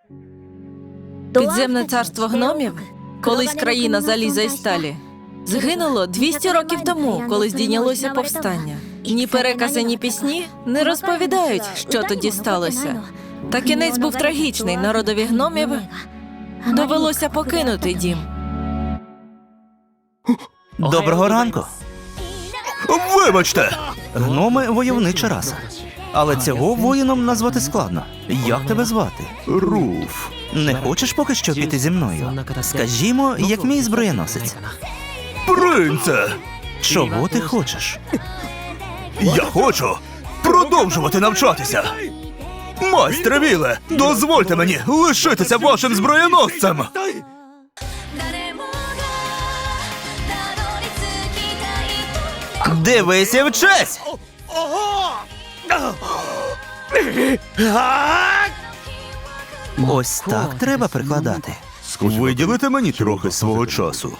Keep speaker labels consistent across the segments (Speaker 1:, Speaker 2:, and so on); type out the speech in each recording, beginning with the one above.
Speaker 1: Підземне царство гномів, колись країна заліза і сталі, згинуло 200 років тому, коли здійнялося повстання. Ні перекази, ні пісні не розповідають, що тоді сталося. Та кінець був трагічний. Народові гномів довелося покинути дім.
Speaker 2: Доброго ранку.
Speaker 3: Вибачте!
Speaker 2: Гноми – войовнича раса. Але цього воїном назвати складно. Як тебе звати?
Speaker 3: Руф.
Speaker 2: Не хочеш поки що піти зі мною? Скажімо, як мій зброєносець.
Speaker 3: Принце!
Speaker 2: Чого ти хочеш?
Speaker 3: Я хочу продовжувати навчатися! Майстре Віле, дозвольте мені лишитися вашим зброєносцем!
Speaker 2: Дивися вчись! Ось так треба прикладати.
Speaker 3: Виділите мені трохи свого часу.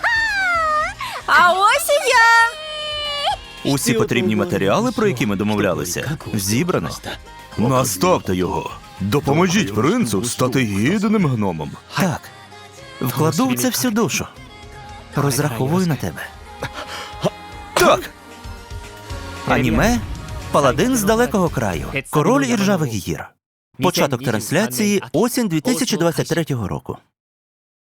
Speaker 1: А ось і я!
Speaker 2: Усі потрібні матеріали, про які ми домовлялися, зібрано.
Speaker 3: Наставте його. Допоможіть принцу стати гідним гномом.
Speaker 2: Так. Вкладу в це всю душу. Розраховую на тебе.
Speaker 3: Так!
Speaker 2: Аніме «Паладин з далекого краю. Король іржавих гір». Початок трансляції осінь 2023 року.